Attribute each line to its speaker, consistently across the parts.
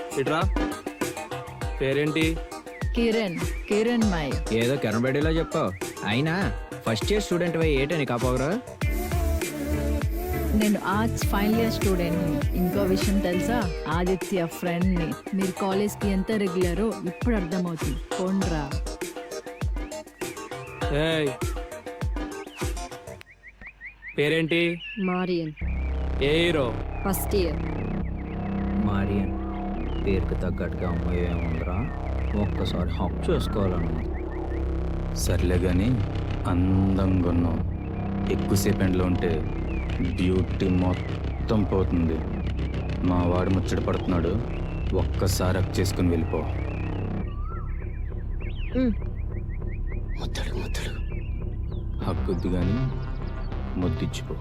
Speaker 1: ఇట్రా. పేరేంటి?
Speaker 2: కిరణ్. కిరణ్ మై.
Speaker 3: ఏదో కెరబడిలో చెప్పావు. అయినా ఫస్ట్ ఇయర్ స్టూడెంట్ ఏంటని కాపోగరా?
Speaker 2: నేను ఆర్ట్స్ ఫైనల్ ఇయర్ స్టూడెంట్. ఇంకో విషయం తెలుసా, ఆదిత్య ఫ్రెండ్ ని. మీరు కాలేజ్ కి ఎంత రెగ్యులరో ఇప్పుడు అర్థమవుతుంది. పోండ్రా.
Speaker 1: ఏయ్, పేరేంటి?
Speaker 4: మారియన్.
Speaker 1: ఏ హీరో?
Speaker 4: First year.
Speaker 3: మారియన్ పేరుకు తగ్గట్టుగా అమ్మాయి ఏముందిరా, ఒక్కసారి హక్ చేసుకోవాలన్నా.
Speaker 5: సర్లే కానీ అందంగా ఉన్నావు. ఎక్కువసేపు ఎండలో ఉంటే బ్యూటీ మొత్తం పోతుంది. మా వాడు ముచ్చట పడుతున్నాడు, ఒక్కసారి హక్ చేసుకుని వెళ్ళిపో. ముద్దడు ముద్దడు హక్కుద్దు కానీ ముద్దిచ్చిపో.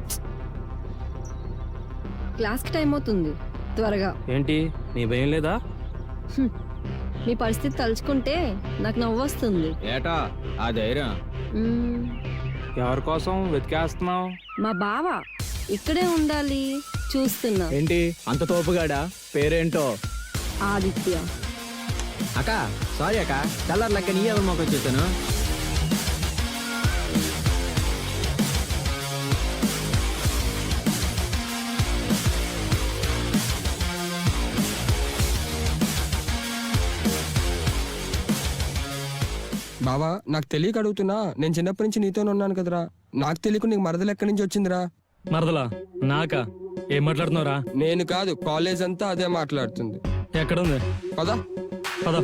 Speaker 4: క్లాస్కి టైం అవుతుంది, త్వరగా.
Speaker 1: ఏంటి నీ భయం లేదా?
Speaker 4: మీ పరిస్థితి తలుచుకుంటే నాకు నవ్వు వస్తుంది.
Speaker 3: ఏటా ఆ ధైర్యం?
Speaker 1: ఎవరి కోసం వెతికేస్తున్నావు?
Speaker 4: మా బావ ఇక్కడే ఉండాలి, చూస్తున్నా.
Speaker 3: ఏంటి అంత తోపుగాడా? పేరేంటో?
Speaker 4: ఆదిత్య.
Speaker 3: అక్క సారీ అక్క, కలర్ లెక్క నీ ఎవరి మొక్క చూసాను.
Speaker 6: బావా నాకు తెలియక అడుగుతున్నా, నేను చిన్నప్పటి నుంచి నీతోనే ఉన్నాను కదరా. నాకు తెలియక నీకు మరదలు ఎక్కడి నుంచి వచ్చిందిరా?
Speaker 7: మరదలా? నాకా? ఏం మాట్లాడుతున్నావురా?
Speaker 6: నేను కాదు, కాలేజ్ అంతా అదే మాట్లాడుతుంది.
Speaker 7: ఎక్కడుంది?
Speaker 6: పదా
Speaker 7: పద.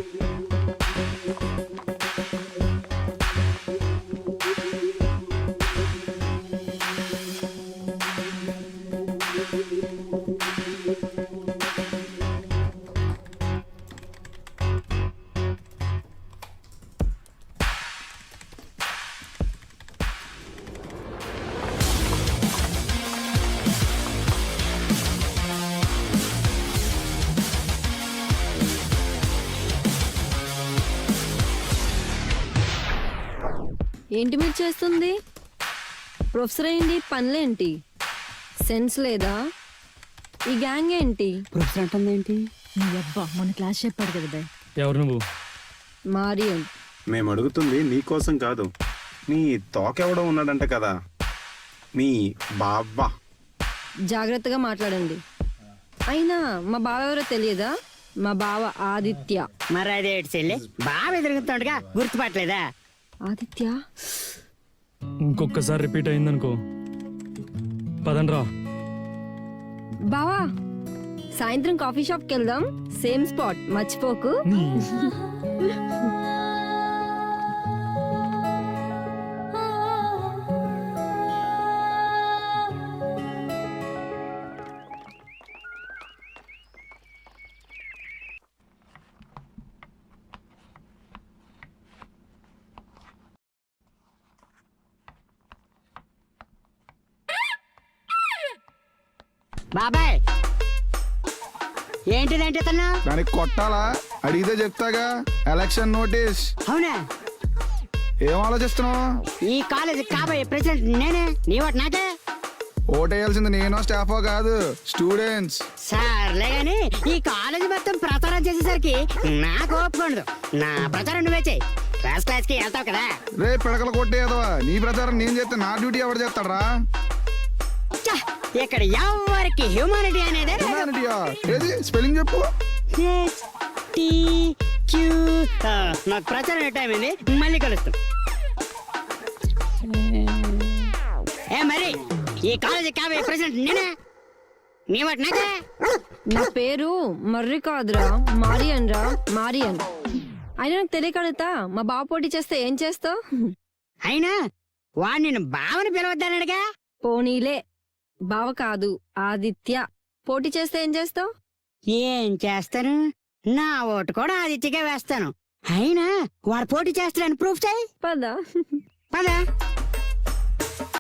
Speaker 4: ఏంటి మీరు చేస్తుంది? ప్రొఫెసర్ ఏంటి, పనులేంటి? సెన్స్ లేదా? ఈ గ్యాంగ్ ఏంటి?
Speaker 8: ప్రొఫెసర్ అంటుందేంటి?
Speaker 2: నీ అబ్బా మన క్లాస్ చెప్పాడు కదా బాయ్.
Speaker 7: ఎవరు నువ్వు?
Speaker 4: మారియన్.
Speaker 9: మేము అడుగుతుంది నీకోసం కాదు, నీ తోకెవడో ఉన్నాడంట కదా, మీ బావా.
Speaker 4: జాగ్రత్తగా మాట్లాడండి. అయినా మా బావ ఎవరో తెలియదా? మా బావ ఆదిత్య.
Speaker 8: మరి అదేటి చెల్లి, బాగా ఎదురుగుతుండగా గుర్తుపట్టలేదా?
Speaker 4: ఆదిత్య.
Speaker 7: ఇంకొకసారి రిపీట్ అయిందనుకో పదండ్రా.
Speaker 4: బావా సాయంత్రం కాఫీ షాప్కి వెళ్దాం, సేమ్ స్పాట్, మర్చిపోకు.
Speaker 8: బాబాయ్ ఏంటిదంటే తను?
Speaker 9: దానికి కొట్టాలా? అడిగితే చెప్తాగా. Election notice.
Speaker 8: అవునా?
Speaker 9: ఏం ఆలోచిస్తున్నావు?
Speaker 8: ఈ కాలేజ్ కాబోయే ప్రెసిడెంట్ నేనే. నీ ఓటు నాకే.
Speaker 9: ఓటేయాల్సింది నేను, స్టాఫో కాదు, స్టూడెంట్స్.
Speaker 8: సర్లే గాని ఈ కాలేజ్ మొత్తం ప్రచారం చేసేసరికి నాకు ఒప్పుకోండు. నా ప్రచారం నువ్వే చెయ్యి. క్లాస్ కి వెళ్తావు కదా.
Speaker 9: రే పిడకలు కొట్టేదవా, నీ ప్రచారం నేను చేస్తే నా డ్యూటీ ఎవరు చేస్తాడరా?
Speaker 8: ఇక్కడ ఎవరికి హ్యూమానిటీ అనేది
Speaker 9: హ్యూమానిటీయా? ఏది స్పెల్లింగ్ చెప్పు.
Speaker 8: నాకు ప్రచారం టైం అయింది, మళ్ళీ కలుస్తాం. ఏ మరి ఈ కాలేజీ కాబోయే ప్రెసిడెంట్ నేనే. నీ వాటి నాకే.
Speaker 4: నా పేరు మర్రి కాదురా, మారియన్ రా, మారియన్. అయినా నాకు తెలియకడుగుతా, మా బావ పోటీ చేస్తే ఏం చేస్తావు?
Speaker 8: అయినా వాడు నిన్ను బావని పిలవద్దన్నాడుగా.
Speaker 4: పోనీలే, బావ కాదు ఆదిత్య. పోటీ చేస్తే ఏం చేస్తావు?
Speaker 8: ఏం చేస్తాను? నా ఓటు కూడా ఆదిత్యగా వేస్తాను. అయినా వాడు పోటీ చేస్తాడని ప్రూఫ్ చేయి.
Speaker 4: పదా.
Speaker 8: పదా.